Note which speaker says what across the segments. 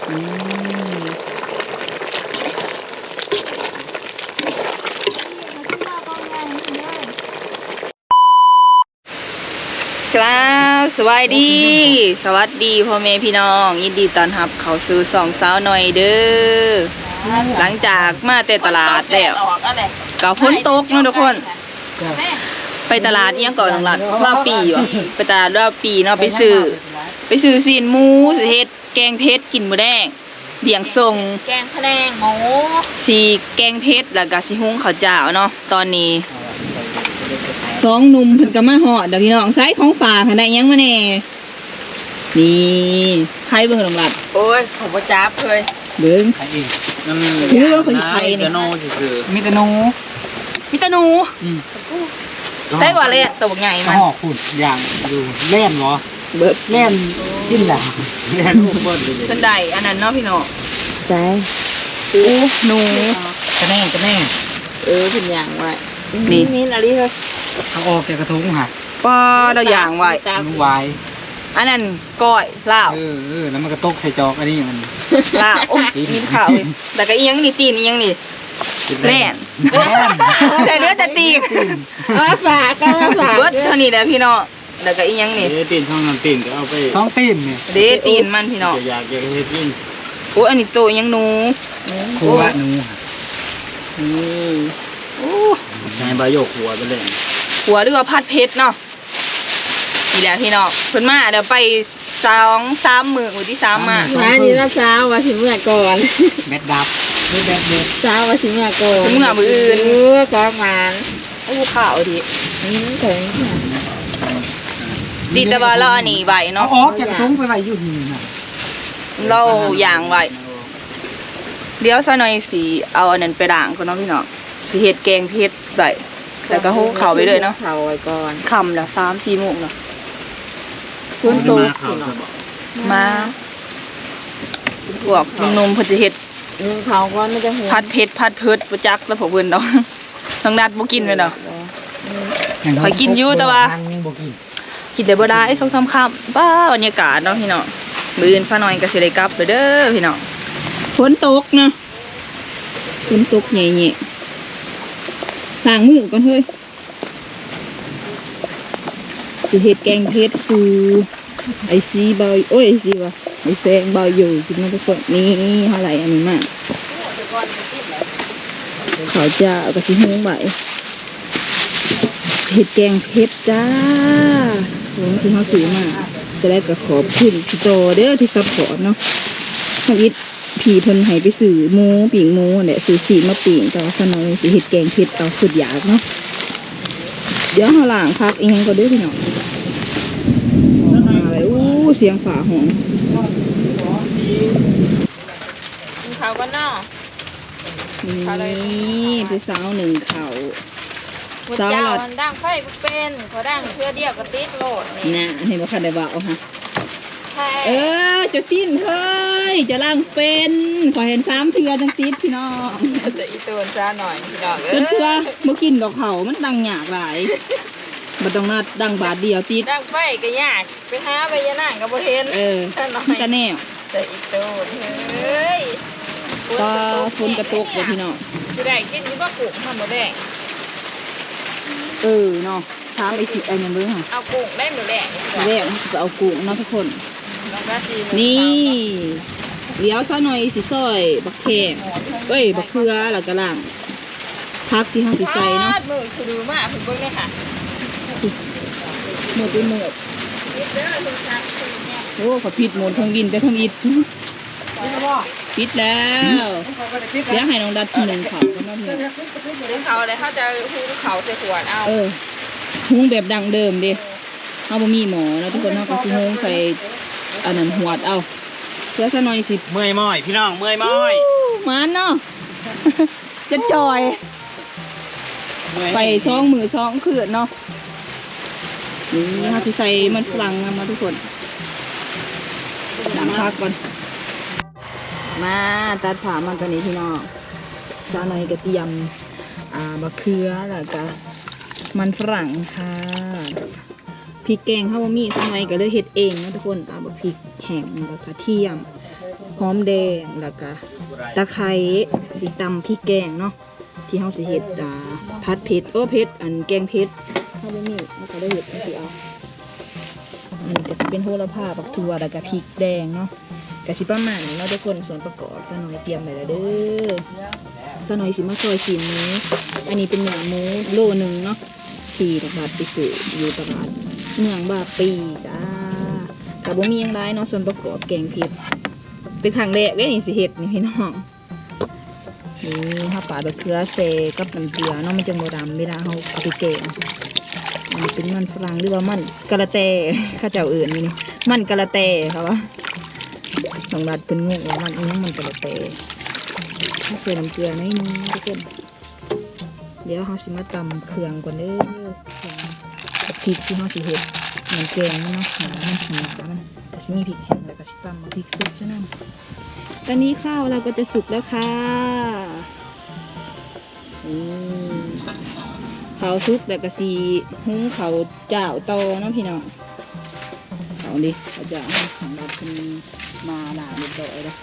Speaker 1: ครับสวัสดีพ่อแม่พี่น้องยินดีต้อนรับเข้าสู่สองสาวหน่อยเด้อหลังจากมาแต่ตลาดแล้วก็ฝนตกเนาะทุกคนไปตลาดยังก่อนหลังว่าปีวะไปตลาดว่าปีเนาะไปซื้อซีนหมูสิเฮ็ดแกงเผ็ดกินมื้อแดงเดี่ยงทรง
Speaker 2: แกงพะแนงหมู
Speaker 1: สีแกงเผ็ดแล้วก็สิหุงข้าวเจ้าเนาะตอนนี้สองหนุ่มเพิ่นก็มาฮอดเด้อพี่น้องไซส์ของฝากได้ยังมาแน่นี่ไผเบิ่งหลัด
Speaker 2: โอ้ยผมบ่จับเคย
Speaker 1: เบิ่งเบิ่งคนไทยนี่มีตะนูใส่บ่เลยตัวใหญ่มัน
Speaker 3: ห่อขุดอย่างอยู่เล่นเหรอ
Speaker 1: เบิด
Speaker 3: เล่นกินแหละเล่นลูกเบิ้ลเลย
Speaker 1: เพิ่นได้อันนั้นเนาะพี่น้อง
Speaker 2: ใส่
Speaker 1: หนู
Speaker 3: กระแน่เ
Speaker 2: เป็นอย่างไว้นี่อะไรเฮ้ย
Speaker 3: เอาออกแกกระทุ้งค่ะ
Speaker 1: ป้าเราอย่างไว้
Speaker 3: นุ่งไว้
Speaker 1: อันนั้นก้อยลาว
Speaker 3: แล้วมันกระตกใส่จอกอันนี้มัน
Speaker 1: ลาวโอ้มีข่าวแต่ก็อีหยังนี่ตีนอีหยังนี่แล่นแต่เนื้อแต่ตีน
Speaker 2: มาฝาก
Speaker 1: เบิดเท่านี้แหละพี่น้องแล้วก็อีหยังนี่
Speaker 3: ตีนช่องน้ำตีนก็เอาไปช่องตีนเนี่ย
Speaker 1: ตีนมันพี่น้อง
Speaker 3: อยากเฮ็ดยิ่ง
Speaker 1: โอ้อันนี้โตยังหนู
Speaker 3: ครัวหนู
Speaker 1: นี่โอ้
Speaker 3: ใช้ใบโยกหัวไปเลย
Speaker 1: หัวหรือว่าผัดเผ็ดเนาะนี่แหละพี่น้องเพิ่นมาเดี๋ยวไป2-3 มื้อที่3มา
Speaker 2: นี่นะเช้าว่าสิเมื่อก่อน
Speaker 3: แบดดับแบดเด็ด
Speaker 2: เช้าว่าสิเมื่อก่อน
Speaker 1: เมื่อมื้ออื่น
Speaker 2: ก็มาน
Speaker 1: โอ้ข้าวดิ
Speaker 2: ถึง
Speaker 1: ดีแต่ว่าเราอันนี้ไว้เนาะ
Speaker 3: อ๋อแกกระทุ้งไปไว้อยู่นี่นะ
Speaker 1: เราอย่างไว้เดี๋ยวซะหน่อยสิเอาอันนั้นไปล้างก่อนเนาะพี่น้องสิเฮ็ดแกงเผ็ดไว้แล้วก็หุงข้าวไปเลยเนาะ
Speaker 2: ข้าวไว้ก่อน
Speaker 1: ค่ำแล้ว 3-4 โมงเนาะ
Speaker 2: ฝนตก
Speaker 1: มาพวกนมเพิ่นสิเฮ็ด
Speaker 2: ข้าวก่อนมันจะ
Speaker 1: ผัดเผ็ดบ่จักแล้วพวกเพิ่นดอกน้องนัดบ่กินเลยเนาะข่อยกินอยู่แต่ว่ากินได้บ่ได้2-3 ค่ำบ้าบรรยากาศเนาะพี่น้องมื้ออื่นซะหน่อยก็สิได้กลับไปเด้อพี่น้องฝนตกนะฝนตกแหน่ๆล้างมือก่อนเฮ้ยสิเฮ็ดแกงเผ็ดสู่ไอซีเบาโอ้ยไอซีว่ะไอแซงเบาอยู่กินมาทุกคนนี่เท่าไหร่อันนี้มากเขาจะเอากระสิหุงไว้เฮ็ดแกงเผ็ดจ้าของที่เขาซื้อมาจะได้กระขอบขึ้นพี่โตเด้อที่ซัพพอร์ตเนาะเขาอิดผีเพิ่นให้ไปซื้อหมูปิ่งหมูเนี่ยซื้อสีมาปิ่งแต่ว่าสนอยสิเฮ็ดแกงเผ็ดเอาสุดอยากเนาะเดี๋ยวเขาล้างพักเองก็ได้พี่น้องมาเลยเสียงฝาหง
Speaker 2: ข้าวก็นอก
Speaker 1: นี่เป็นสาวหนึ่งเขา
Speaker 2: สาวหลัดดังไฟเป็นเขาดังเพื่อเดียวก็ติดโหลด
Speaker 1: นี่นะเห็นว่าใครได้บ่าวฮะจะสิ้นเฮ้ยจะล่างเป็นขอเห็น3 เทือจังติดพี่น้อง
Speaker 2: จะอีตัวจ้าหน่อยพี่น้อง
Speaker 1: จนเชื่อเมื่อกินดอกเขามันดังยากหลายบัดต้องนัดดังบาทเดียวติด
Speaker 2: ดังไฟก็ยากไปหาใบยะนางก็บ่เห็น
Speaker 1: ก็แน่
Speaker 2: จะอีตัวเฮ้ย
Speaker 1: ก็ฝนกระตกเลยพี่น้อง
Speaker 2: จะได้กินนี่ว่ากุ้งทำหมดแดง
Speaker 1: เนาะถามไอ้สิไอ้ยังเบิ่งค่ะ
Speaker 2: เอากุ้งได้หมดแดง
Speaker 1: จะเอากุ้งเนาะทุกคนนี่เดี๋ยวซะหน่อยสิซอยบักแขกบักเขือแล้วก็ล่างพักที่ห้องสิใส่เนาะ
Speaker 2: มือคือดูมากถึงเบิ่งเลยค่ะ
Speaker 1: หมดไปหมดโอ้ขอผิดหมดทั้งวินแต่ทั้งอิดปิดแล้วเดี๋ยวให้น้องดัด1 เขาก็มา
Speaker 2: 1 เขาเลยเขาจะหุงเขาใส่ขวดเอา
Speaker 1: หุงแบบดังเดิมดิเขาบ่มีหมอนะทุกคนเขาก็สิหุงใส่อันนั้นหวดเอาเพื่อซะหน่อยสิ
Speaker 3: เมื่อยม้อยพี่น้องเมื่อยม้อย
Speaker 1: มันเนาะจะจอยไป2 มื้อ2 คืนเนาะนี่เขาสิใส่มันฝรั่งมาทุกคนดังพักก่อนมาตัดผ่ามันตัวนี้พี่น้องซาหน่อยกระเทียมมะเขือแล้วก็มันฝรั่งค่ะพริกแกงข้าวมีซาหน่อยก็เลยเฮ็ดเองนะทุกคนบักพริกแห้งแล้วก็กระเทียมหอมแดงแล้วก็ตะไคร้สีตำพริกแกงเนาะที่เฮาสิเฮ็ดผัดเผ็ดเผ็ดอันแกงเผ็ดเฮาบ่มีมันก็ได้เฮ็ดจังซี่เอาอันนี้จะเป็นโหระพาบักถั่วแล้วก็พริกแดงเนาะก็สิประมาณนี้เนาะทุกคนส่วนประกอบซะหน่อยเตรียมไว้แล้วเด้อซะหน่อยสิมาซอยชิ้นนี้อันนี้เป็นเนื้อหมูโลนึงเนาะที่ตลาดไปซื้ออยู่ตลาดเมืองบาปีจ้าก็บ่มีหยังหลายเนาะส่วนประกอบแกงเผ็ดเป็นครั้งแรกเลยนี่สิเฮ็ดนี่พี่น้องนี่ข้าวปลาดอกเกลือเซกับน้ำเกลือเนาะมันจะโมดำเวลาเขาเอาไปแกงอันนี้เป็นมันฝรั่งหรือว่ามันกะละแตข้าเจ้าอื่นนี่มันกะละแตครับว่าน้องรัดเป็นงงว่ามันอีนั่งมันกะละแตถ้าใส่น้ำเกลือนิดนึงทุกคนเดี๋ยวเขาสิมาตำเครื่องก่อนเด้อพริกที่เขาสิเฮ็ดเหมือนแกงเนาะหนามันก็สิมีพริกแห้งแล้วก็สิตำมาพริกสุกซะนั่นตอนนี้ข้าวเราก็จะสุกแล้วค่ะข้าวสุกแต่กะสีหุงข้าวเจ้าโตเนาะพี่น้องเอาดิข้าวเจ้าของเราเป็นมาด่าเรียบร้อยแล้ว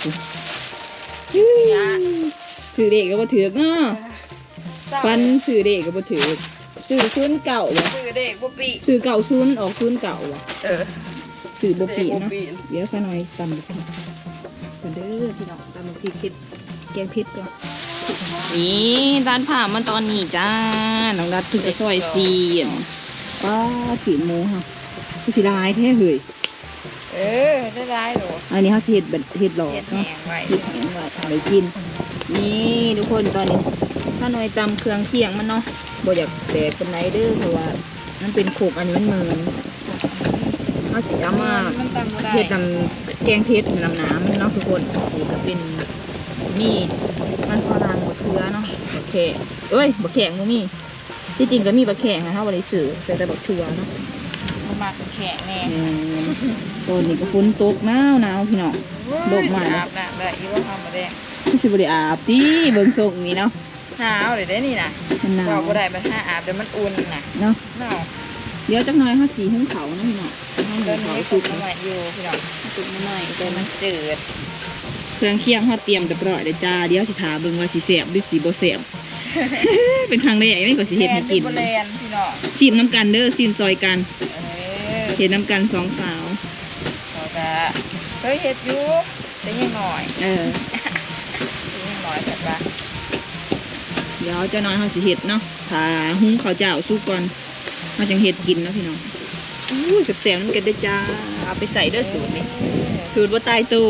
Speaker 1: สื่อเด็กก็บ่ถือเนาะฟันสื่อเด็กก็บ่ถือสื่อซุนเก่าวะ
Speaker 2: สื่อเด็กบ่ปี
Speaker 1: สื่อเก่าซุนออกซุนเก่าวะ สื่อบ่ปีเนาะ
Speaker 2: ปี
Speaker 1: เดี๋ยวซะหน่อยตำบักพริกกันเด้อพี่น้องตำบักพริกเฮ็ดแกงเผ็ดก่อนนี่ด้านผ่ามันตอนนี้จ้าน้องรัดเพิ่งจะซอยซีนว้าสีหมูค่ะคือสีลายแท้เฮ้ย
Speaker 2: ได้ร้ายหรอ
Speaker 1: อันนี้เขาสิเฮ็ดแบบเฮ็ดหลอ
Speaker 2: เฮ็
Speaker 1: ก
Speaker 2: ดแห
Speaker 1: เนาะ
Speaker 2: งไว้
Speaker 1: เฮ็ดแห้งไว้เอาไปกินนี่ทุกคนตอนนี้ถ้าหน่อยตำเครื่องเคียงมันเนาะบ่อยากแตกปานใดเด้อเพราะว่ามันเป็นโขกอันนี้มันเหมือนเขาสิเอามา
Speaker 2: มันตำบ่ได้
Speaker 1: เผ็ดน้ำแกงเผ็ดน้ำน้ำมันเนาะทุกคนนี่ก็เป็นมีมันฝรั่งบะเขือเนาะบะแขกบะแขกมันมีที่จริงก็มีบะแขกนะถ้าบริสุทธิ์ใส่แต่บะเขือเนาะ
Speaker 2: มันมาแข็งแน่
Speaker 1: ตอนนี้ก็ฝนตกหนาวพี่น้องโลกใหม่
Speaker 2: อาบน้ำได้อีว่าทำมาได้
Speaker 1: ที่สิบริอาบตีเบิ่งส่งนี่เนาะ
Speaker 2: หนาวเลยได้นี่นะ
Speaker 1: มันหนาว
Speaker 2: บอกบ่ได้มันห้าอาบเดี๋ยวมันอุ่นน่ะ
Speaker 1: เนาะ
Speaker 2: หนาว
Speaker 1: เดี๋ยวจักหน่อยเขาสีหุ้งเขาเนาะพี่น้องให้
Speaker 2: ตอน
Speaker 1: เขา
Speaker 2: นี้
Speaker 1: สุ
Speaker 2: สุ
Speaker 1: ก
Speaker 2: กมาใหม่อยู่พี่น้อง
Speaker 1: สุกมาหน่อย
Speaker 2: แต่มันจืด
Speaker 1: เครื่องเคียงเขาเตรียมเรียบร้อยเลยจ้าเดี๋ยวสิถาเบิ่งว่าสิแซ่บหรือสิบ่แซ่บ เป็นครั้งแรกไม่ก็สิเฮ็ดให้กิน
Speaker 2: แลนพี่น้อง
Speaker 1: ซีมน้ำกันเด้อซีมซอยกัน
Speaker 2: เ
Speaker 1: เห็นน้ำกันสองสาว
Speaker 2: เขาจะเคยเฮ็ดอยู่แต่ยังหน่อย
Speaker 1: เออ
Speaker 2: แต่ยังหน่อยแต่ว่า
Speaker 1: เดี๋ยวเจะน้อยเขาสิเห็ดเนาะถ้าหุงข้าวเจ้าสุกก่อนมาจังเห็ดกินเนาะพี่น้องอู้แสบๆน้ำกันได้อจ้าเอาไปใส่เด้อสูตรนี่สูตรว่าตายตัว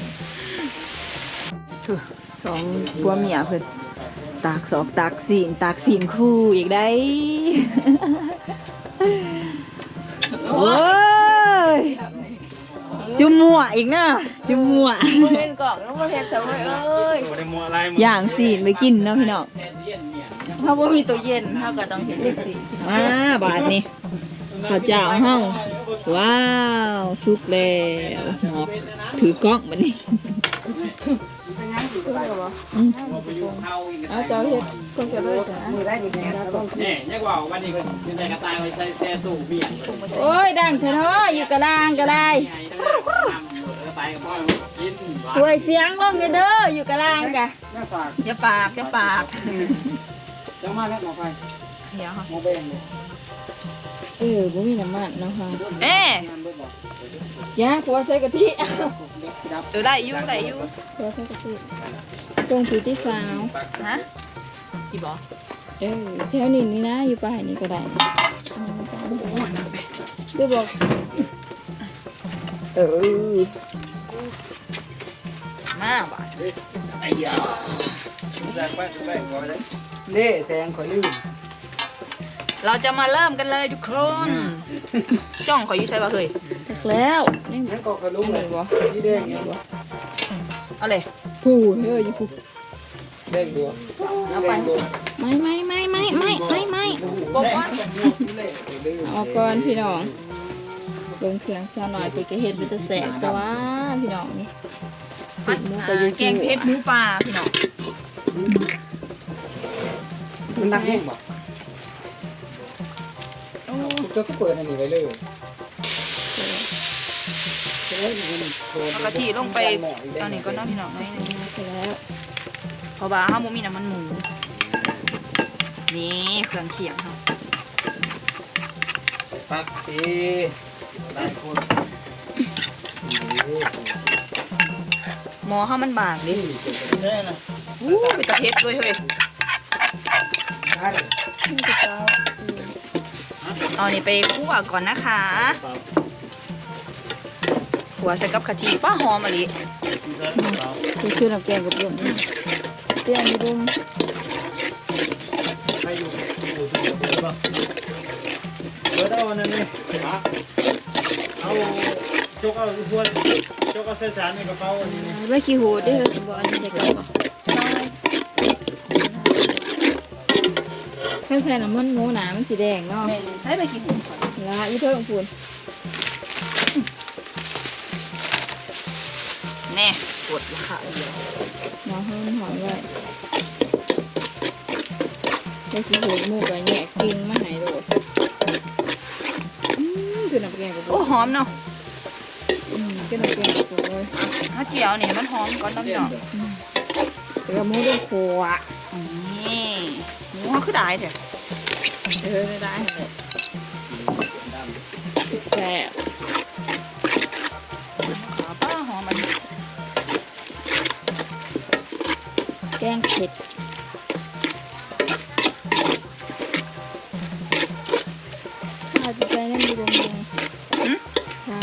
Speaker 1: สองผัวเมียเพิ่นตากสอกตากสีนคู่อีกได้ โอ้ยจุ่มมั่วอีกนะจุ่มมั่ว
Speaker 2: บ่เห็นกล่องแล้วบ่เฮ็ดจะเอ้ย
Speaker 3: บ่ได้มัวอะไร
Speaker 1: อย่างสีนไปกินเนาะพี่น้อง
Speaker 2: เพราะว่ามีตู้เย็นเขาก็ต้องเฮ็ดจังซี่
Speaker 1: บาทนี่ข้าวเจ้าห้องว้าวสุกแล้วหมอกถือกล้องมันนี่
Speaker 2: เอาเจ้าเฮ็ดคนจะเลยจ้ะ
Speaker 3: นี่ยังว่าวันนี้ก็เป็นใจกระต่ายไว้ใส่แซ่ตู้เมียน
Speaker 1: โอ้ยดังเถอะเนาะอยู่กระลางก็ได้
Speaker 3: ใหญ่ทั้งนั้นกระต่ายกับพ่อกิน
Speaker 1: ป่วยเสียงลงเด้ออยู่กระลางกะ
Speaker 3: น่าฝาก
Speaker 1: อย่าปากอย่าปาก
Speaker 3: จังมาแล้วหมอไฟ
Speaker 1: เดี๋ยวค่ะ
Speaker 3: หมอเบ่งเลย
Speaker 1: บ่มีน้ำมันเนาะค่ะ
Speaker 2: เอ๊ะ
Speaker 3: งานบ่บอก
Speaker 1: ยาผัวใส่กะทิ
Speaker 3: เด็กสิดับ
Speaker 2: ได้อยู่ได้อยู่
Speaker 1: ผัวใส่กะทิตรงที่สาว
Speaker 2: ฮะกี่บ่
Speaker 1: แถวนี้นี่นะอยู่ป่ายนี้ก็ได้ได้บอก
Speaker 2: มาบ่
Speaker 3: ไอ้ยาแรงไปแรงก่อนเลยเล่แซงขอลืม
Speaker 2: เราจะมาเริ่มกันเลยทุกคน จ้องขออยู่ใช่ป่ะเคย
Speaker 1: แล้วนี่
Speaker 3: นั่นก็ขลุ่มเลยพี่แดงไงบ่
Speaker 2: เอาเลย
Speaker 1: ผู้อยู่ผู้
Speaker 3: แดงบัวแดงบัว
Speaker 1: ไม่
Speaker 2: บอกว่า
Speaker 1: เอาก่อนพี่น้องเบิ่งเครื่องซะหน่อยไปก็เฮ็ดมันจะแสบแต่ว่าพี่น้องนี่สิหมูก็อยู่
Speaker 2: แกงเผ็ดหมูปลาพี่น้อง
Speaker 3: มันนักเล่นบ่เจ้าก็เปิดอันนี้ไว้เลย
Speaker 1: แ
Speaker 2: เอากะทิลงไปอันนี้ก็น้ำพี่น้องน้อยหนึง
Speaker 1: เสร็จแล้ว
Speaker 2: เพราะว่าห้ามุมีน้ำมันหมูนี่เครื่องเคียงค่ะ
Speaker 3: ปักทีหลายคน
Speaker 2: หมอข้าวมันบางดิ
Speaker 3: ได้นะ
Speaker 2: อู้ไปตะเพ็ดด้วยเฮ้ย
Speaker 3: ได้
Speaker 2: เอานี่ไปคั่วก่อนนะคะขัวใส่กับกะทิป้าหอมอะไร
Speaker 1: คือชื่อน้ำแกงกับลมเตี้ยนี่ลุง
Speaker 3: ใครอยู่ถูกป่ะเปิดเอานั่นเลยเอาจกเอาพวกจกเอาเส้นสารในกระเป๋าอันนี้
Speaker 1: ไม่ขี้หูได้เลยบอกอันนี้ใส่กับถ้าใส่น้ำมันหมูหนามันสีแดงเนาะ
Speaker 2: แม่ใช้ไปกี่หุ่นก่อน
Speaker 1: ละอีเพิ่มพูน
Speaker 2: แน่กดราคาเดียว
Speaker 1: น้องให้มันหอมไว้ได้ขี้หูหมูกับแยกกิ่งมาใหายโดดคือน้ำแกงกับล
Speaker 2: โอ้
Speaker 1: ม
Speaker 2: หอมเนาะ
Speaker 1: คือน้ำแกงกับลมเลย
Speaker 2: ถ้าเจียวนี่มันหอมก่อนน้ำหนอง
Speaker 1: แต่ก็หมูต้องโคอ่ะ
Speaker 2: นี่หมูเขาคือได้เถอะ
Speaker 1: ไม่ได้เลยแซ่บ
Speaker 2: ขาป้าหอมมัน
Speaker 1: แกงเผ็ดถ้าจะใส่น้ำดีบงเลยค่ะ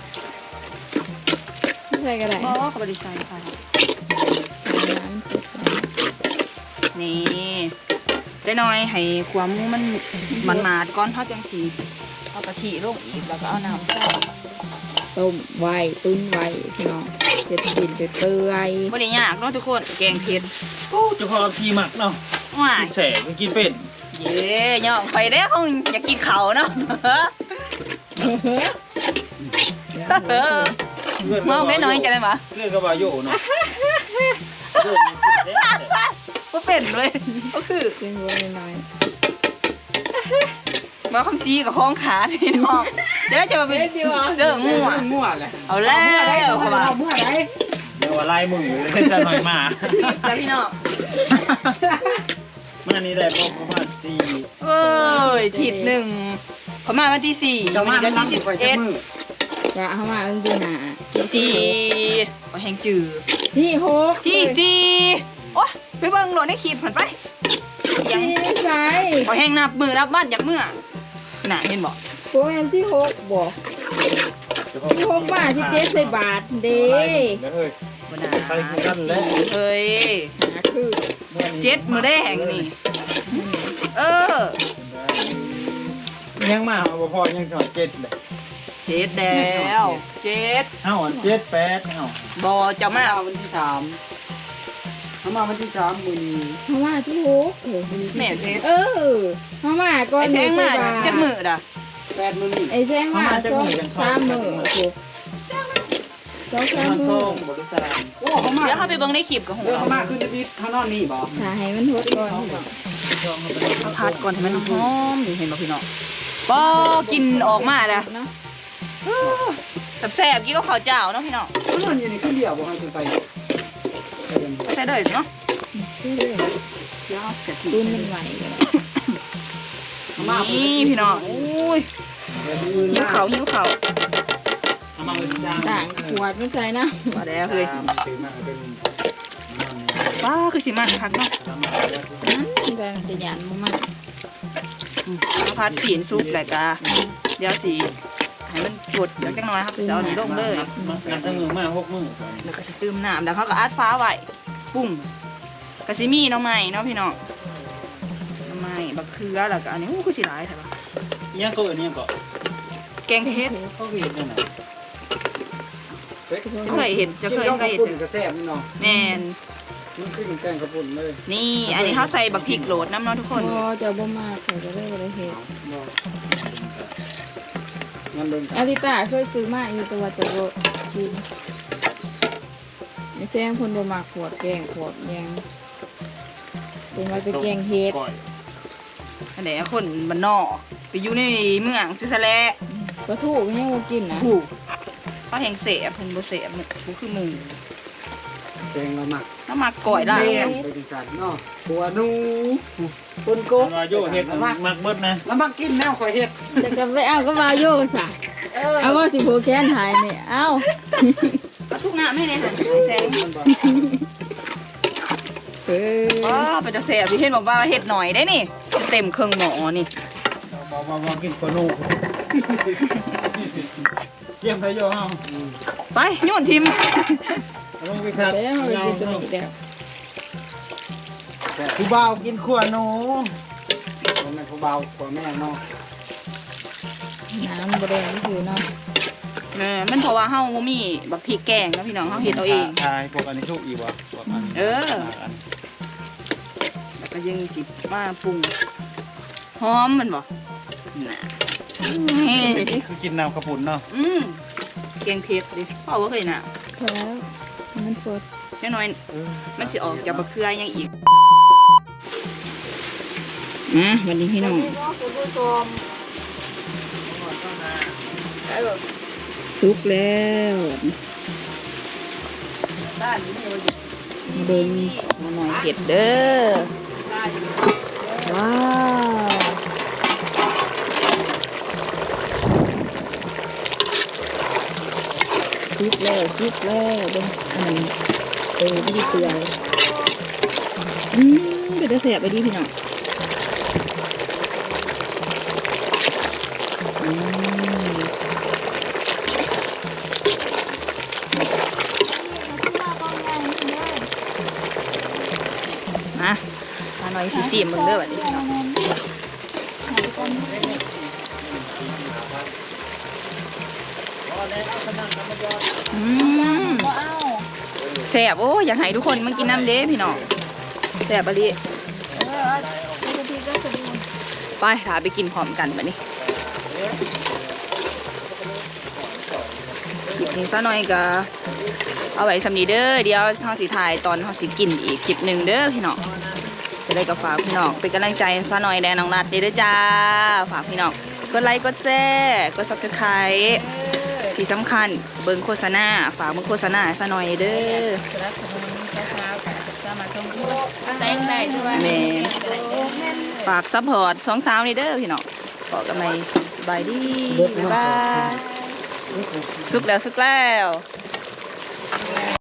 Speaker 1: ไม่ใส่ก็ได้
Speaker 2: บ่เขาบริษัทค่ะ
Speaker 1: น้ำเผ็ด
Speaker 2: นี่เจ๊น้อยให้ความหมูมันหมาดก่อนเท่าจังสีเอากะทิลงอีกแล้วก็เอาน้ำใส่
Speaker 1: ต้มไว้ตุ้นไว้พี่น้องเผ็ดดินเผ็ดเปื่อย
Speaker 2: ไม่ได้ยากเนาะทุกคนแกงเผ็ด
Speaker 3: โอ้เจ้าของชีหมักเนาะ
Speaker 2: ว้าย
Speaker 3: แสงกินเป็ด
Speaker 2: เย้ย่องไปได้คงอยากกินเขาเนาะ เมาไม่น้อยจะได้ปะ
Speaker 3: เรื่องกระบาโยเนาะ
Speaker 2: ก็เป็นเลยก็คือ
Speaker 1: เป็นวัวน้อย
Speaker 2: มาคำซีกับห้องขาที่น้องจะได้จะมาเป็นเจอมั่ว
Speaker 3: มั่วเลย
Speaker 2: เอาแล้วเขาว่า
Speaker 3: มั่วไหนเดี๋ยวว่าไล่มึงเลยจะหน่อยมา
Speaker 2: แล้วพี่น้อง
Speaker 3: มันอันนี้ได้ประมาณ4
Speaker 2: เอ้ยทิศหนึ่งพม่าวันที่สี่วันนี้ก็ที่11
Speaker 1: ๆว่าเขามาจริงๆนะ
Speaker 2: ที่สี่ก็แหงจือ
Speaker 1: ที่หก
Speaker 2: ที่สี่โอ้ไปเบิ่งโหลดในคลิปผ่านไปยัง
Speaker 1: ที่ใส่
Speaker 2: ก็แหงนับมือนับบ้านจากเมื่อน่ะเห็นบอก
Speaker 1: โปรแอนที่หกบอกที่หกบาทที่เจ๊ใส่บาทเด้
Speaker 3: เฮ้ย
Speaker 2: บนา
Speaker 3: ใครคือกันแล้ว
Speaker 2: เฮ้ย
Speaker 1: นะคือ
Speaker 2: 7มือแดงนี่เออ
Speaker 3: ยังมาบ่พอยังสอน7เลย
Speaker 2: 7แล้ว7
Speaker 3: เอ้า7 8เอ้า
Speaker 2: บอจะมา
Speaker 3: วันที่3เขามาวันที่3มื้อนี้
Speaker 1: เขามาที่หก
Speaker 2: แม่เ
Speaker 1: เออเขามาก่อน
Speaker 2: ไอ้แซงมาจากมือด่ะ
Speaker 3: 8มื้อนี้
Speaker 1: ไอ้แซงมาสองสามมือถูกสองสาม
Speaker 3: มัน
Speaker 1: มื
Speaker 3: ส่
Speaker 1: อง
Speaker 3: บ่รู้สลามโอ้เขามา
Speaker 2: เดี๋ยวเขาไปเบิ่งในคลิปกับหัว
Speaker 3: เขามาขึ้นนิดเขานอนนี่บ่
Speaker 1: ถ้าให้มันหดก่อน
Speaker 2: เขาพัดก่อนให้มันหอมนี่เห็นบ่พี่น้องปอกินออกมาด่ะ
Speaker 1: เนาะ
Speaker 2: แซ่บๆกี้ก็ข้าวเจ้าเนาะพี่น้อง
Speaker 3: เขานอนอยู่ในขึ้นเดียวบ่ให้ขึ้นไป
Speaker 2: ใส่เลยเนาะ
Speaker 1: ชื่อเรื่อง
Speaker 2: เดี๋ยวเอากะทิ
Speaker 1: ตุ้นมันไหวกัน
Speaker 2: นี่พี่น้องอุ้ยหิวข้าวหิวข้าว
Speaker 3: เอามาเป็นจาน
Speaker 1: ต่างขวดมันใส่นะ
Speaker 2: ว่าแล้วเฮ้ย
Speaker 3: ซื้อมาเป็น
Speaker 2: ป้าคือสิมาคักเนาะ
Speaker 1: มันก็จะหยานมาก
Speaker 2: ข้าวผัดสีนซุปแหละกะเดี๋ยวสิให้มันจดเดี๋ยวจังน้อยครับจะเอานี่ลงเลย
Speaker 3: นับตั้งมือมา6มื้อ
Speaker 2: แล้วก็สิตื้มน้ำแล้วเขาก็อัดฟ้าไว้ปุ้งกะสิมีหน้องใหม่เนาะพี่น้องหน้องใหม่บักเขือแล้วก็อันนี้อู้คือสิหลายใช่ปะ
Speaker 3: ยังก็อันนี้ก็
Speaker 2: แกงเฮ็ด
Speaker 3: เขาเห็นนั่นน่ะ
Speaker 2: จะเคยเห็นจะเคยเห็น
Speaker 3: กระแซ่บนี่เนาะ
Speaker 2: แม่น
Speaker 3: มันคือแกงกระปุ่นเลย
Speaker 2: นี่อันนี้เขาใส่บักพริกโหลดน้ำเนาะทุกคน
Speaker 1: พอจะบ่มากเขาจะได้บ่ได้เห็ด
Speaker 3: งั้นเบิ่ง
Speaker 1: อาริตาเคยซื้อมาอยู่แต่ว่าจะบ่กินไม่แซงคนบ่มากขวดแกงขวดแยงเป็นว่าจะแกงเห็ด
Speaker 2: อันไหนคนบ้านนอกไปอยู่ในเมืองซิซะแล
Speaker 1: ปลาทูก็ยังบ่กินนะ
Speaker 2: ผู้ปเขาแห้งเสบเพิ่นบ่เสบบ่คือหมู
Speaker 4: แซงเราหมัก
Speaker 2: น้ำหมักก่อยได้
Speaker 4: แม่ไปจังซั่นเนาะบัวนูปนโก
Speaker 3: วาโยเฮ็ดมักเบิดนะ
Speaker 4: แล้วมักกินแนวข่อยเฮ็ด
Speaker 1: จะกลับไปเอาก็มาโยกซะเอาว่าสิโผแค้นหายเนี่ยเอา
Speaker 2: เอาทุกน้ำให้ในหันให้แซง
Speaker 4: มันบ่
Speaker 2: ว้าเป็นจะแสบที่เห็นบอกว่าเห็ดหน่อยได้นี่เต็มเครื่องหมอนี่
Speaker 3: บ่กินกว่านูเยี่ยมไปโยเฮา
Speaker 2: ไปโยนทิม
Speaker 3: ลงไปครับ
Speaker 1: แล้วมันกินตัวนี้แล้ว
Speaker 4: ผู้บ่าวกินขัวหนูบ่แม่นผู้บ่าวขัวแม่เนาะ
Speaker 1: น้ำบะแดงนี่คือเนาะ
Speaker 2: มันเพราะว่าเฮาบ่มีบักพริกแกงนะพี่น้องเฮาเฮ็ดเอาเอง
Speaker 3: ทายพวกอันนี้ชุกอีกบ่พวกอัน
Speaker 2: แล้วก็ยังสิมาปรุงหอมมันบ่น่ะนี่
Speaker 3: คือกินน้ำกระปุ่นเนาะ
Speaker 2: แกงเผ็ดดิพ่อบ่เคยน่ะ
Speaker 1: พอแล้วมันสด
Speaker 2: แค่น้อยมันสิออกจากบักเขือยังอีกวันนี้พี่น้อง
Speaker 1: คุณผู้ชม
Speaker 2: สุกแล้วมาเบิ่งมาหน่อยเผ็ดเด้อว้าวซุกแล้วเบิ่งอันนั้นไม่ได้เปื่อยเป็นจะแสบไปดีพี่น้องมาซาหน่อยสีมึงเด้อแบบนี้พี่น้องแสบโอ้อยากให้ทุกคนมากินน้ำเด้พี่น้องแสบอะไรไปถาไปกินพร้อมกันแบบนี้คลิปนี้ซะหน่อยก็เอาไว้สำนีเด้อเดี๋ยวทางสีถ่ายตอนทางสีกินอีกคลิปหนึ่งเด้อพี่น้องจะได้กับฝากพี่น้องเป็นกำลังใจซะหน่อยแดนน้องรัดเด้อจ้าฝากพี่น้องกดไลค์กดแชร์กด Subscribe ที่สำคัญเบิ่งโฆษณาฝากเบิ่งโฆษณาซะหน่อยเด้อ
Speaker 1: สนับสนุนเช้าๆค่ะจะมาชมแต่งได้ใช่ไหม
Speaker 2: แม่ฝากซัพพอร์ตสองสาวนี่เด้อพี่น้องขอกันใหม่สบายดีบ๊ายบายสุกแล้ว